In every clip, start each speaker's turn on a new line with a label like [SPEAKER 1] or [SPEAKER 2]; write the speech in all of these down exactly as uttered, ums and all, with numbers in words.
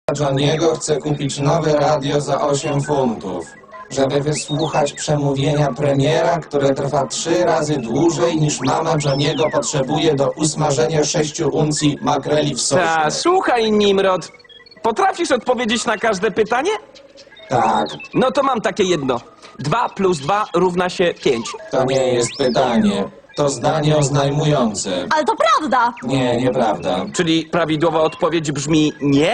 [SPEAKER 1] Johniego chce kupić nowe radio za osiem funtów, żeby wysłuchać przemówienia premiera, które trwa trzy razy dłużej niż mama Johniego potrzebuje do usmażenia sześciu uncji makreli w sosie.
[SPEAKER 2] Ta, słuchaj, Nimrod. Potrafisz odpowiedzieć na każde pytanie?
[SPEAKER 1] Tak,
[SPEAKER 2] No to mam takie jedno. Dwa plus dwa równa się pięć.
[SPEAKER 1] to nie jest pytanie. To zdanie oznajmujące.
[SPEAKER 3] Ale to prawda!
[SPEAKER 1] Nie, nieprawda.
[SPEAKER 2] Czyli prawidłowa odpowiedź brzmi nie?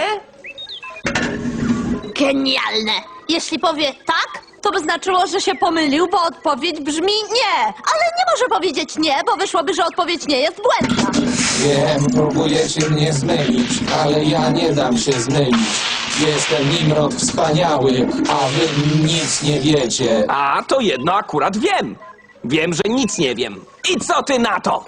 [SPEAKER 3] Genialne! Jeśli powie tak, to by znaczyło, że się pomylił, bo odpowiedź brzmi nie. Ale nie może powiedzieć nie, bo wyszłoby, że odpowiedź nie jest błędna.
[SPEAKER 1] Wiem, próbujecie mnie zmylić, ale ja nie dam się zmylić. Jestem Nimrod wspaniały, a wy nic nie wiecie.
[SPEAKER 2] A to jedno akurat wiem. Wiem, że nic nie wiem. I co ty na to?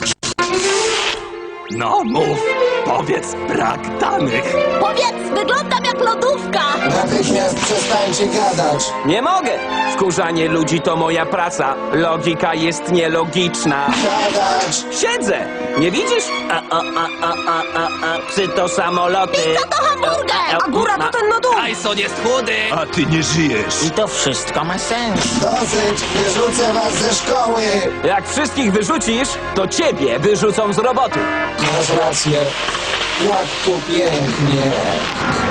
[SPEAKER 2] No mów, powiedz brak danych.
[SPEAKER 3] Powiedz, wyglądam jak lodówka!
[SPEAKER 1] Natychmiast przestańcie gadać.
[SPEAKER 2] Nie mogę. Wkurzanie ludzi to moja praca. Logika jest nielogiczna.
[SPEAKER 1] Gadać!
[SPEAKER 2] Siedzę. Nie widzisz? A, a, a, a, a, a, a, psy to samoloty.
[SPEAKER 3] Pizza to hamburger, a góra to ten lodówka.
[SPEAKER 2] Tyson jest chudy.
[SPEAKER 4] A ty nie żyjesz.
[SPEAKER 5] I to wszystko ma sens.
[SPEAKER 1] Dosyć, wyrzucę was ze szkoły!
[SPEAKER 2] Jak wszystkich wyrzucisz, to ciebie wyrzucą z roboty.
[SPEAKER 1] Masz rację. Jak tu pięknie.